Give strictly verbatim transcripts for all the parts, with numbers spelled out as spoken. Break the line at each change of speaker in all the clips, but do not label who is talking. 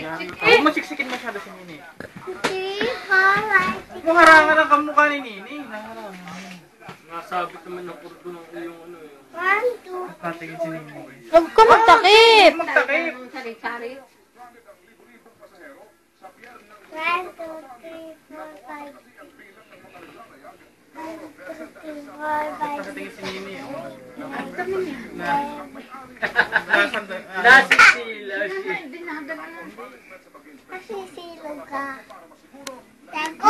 Huwag mo siksikin masyado si Nini.
Hindi, alright.
Huwag mo harangan ang kamukha ni Nini.
Nasabit naman ng kurdo ng iyong ano eh.
One, two.
Patingin si Nini.
Huwag ka magtakip.
Magtakip.
Sari-sari.
One, two, three, four, five. One, two, three, four, five.
Patingin si Nini.
Nasisila siya.
Nasisilog ka. Tago.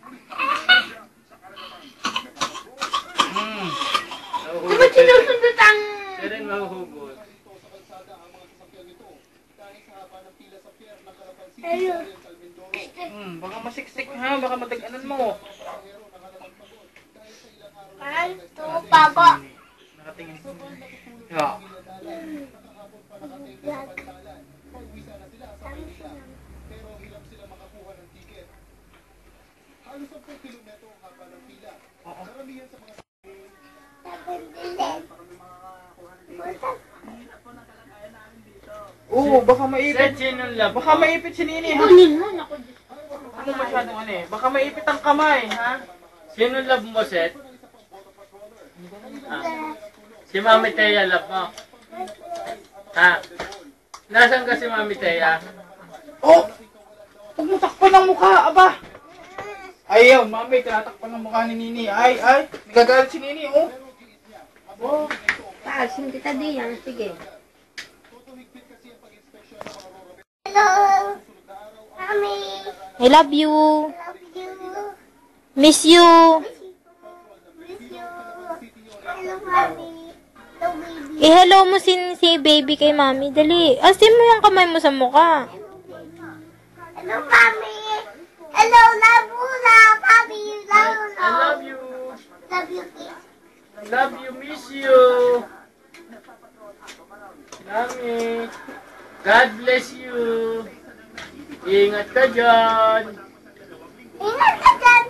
Hmm.
Di ba sinusundot ang...
Siya rin mahuhugot.
Hello.
Hmm, baka masiksik ha, baka matag-anan mo.
One, two, bago.
Nakatingin. Ya. Oo, baka maipit. Baka maipit si Nini, ha?
Kunin mo, naku.
Ano masyadong ano eh? Baka maipit ang kamay, ha?
Sino love mo, Seth? Ah. Si Mami Teya love mo? Ha? Nasaan ka si Mami Teya?
Oh! Huwag mo takpan ang mukha, aba! Ayaw, mami, tinatakpan ang mukha ni Nini. Ay, ay, nagagalit si Nini, oh! Oh!
Taasin kita diyan, sige.
Hello. Mommy.
I love you.
Love you.
Miss you.
Miss you. Hello, mommy. Hello, baby.
I-hello mo si, si baby kay mami. Dali. Asin mo yung kamay mo sa mukha.
Hello, mommy. Hello, love you, love, mommy. Love,
I
love.
love you.
Love you, kiss.
Love you, miss you. Mami. God bless you. Ingat ka dyan.
Ingat ka dyan,